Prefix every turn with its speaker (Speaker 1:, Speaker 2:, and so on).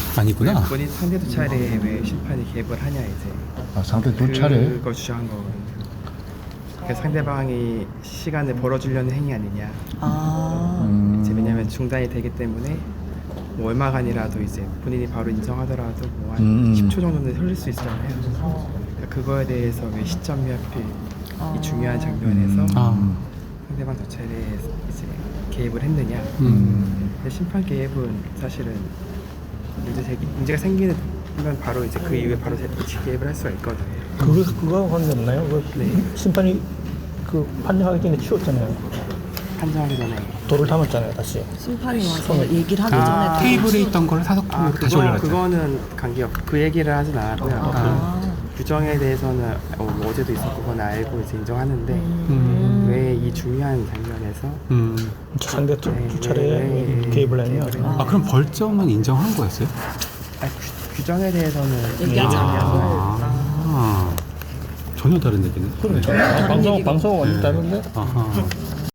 Speaker 1: 아니구나.
Speaker 2: 본인 상대 두 차례 왜 심판이 개입을 하냐 이제
Speaker 3: 아, 상대 두 차례.
Speaker 2: 그걸 주장한 거거든요. 그러니까 상대방이 시간을 벌어주려는 행위 아니냐. 이제 왜냐면 중단이 되기 때문에 뭐 얼마간이라도 이제 본인이 바로 인정하더라도 뭐 한 10초 정도는 흘릴 수 있잖아요. 그러니까 그거에 대해서 왜 시점이 하필 이 중요한 장면에서 상대방 두 차례 이제 개입을 했느냐. 근데 심판 개입은 사실은 문제가 생기는 바로 이제 그 이후에 바로 개입을 할 수가 있거든요.
Speaker 4: 그거 관계없나요? 심판이 그 판정하기 전에 치웠잖아요.
Speaker 2: 판정하기 전에
Speaker 4: 돌을 담았잖아요, 다시.
Speaker 5: 심판이 와서 얘기를 하기 전에
Speaker 1: 테이블에 있던 걸 사석통으로 다시 올려놨죠.
Speaker 2: 그거는 관계없. 그 얘기를 하진 않았고요. 그 규정에 대해서는 어제도 있었고 그건 알고 이제 인정하는데 왜 이 중요한 장면에서
Speaker 4: 상대 두 차례 개입을 했냐?
Speaker 1: 그럼 벌점은 인정한 거였어요?
Speaker 2: 규정에 대해서는
Speaker 5: 얘기하지
Speaker 1: 전혀 다른 얘기네.
Speaker 4: 그렇죠. 방송 완전 다른데?
Speaker 1: 아하.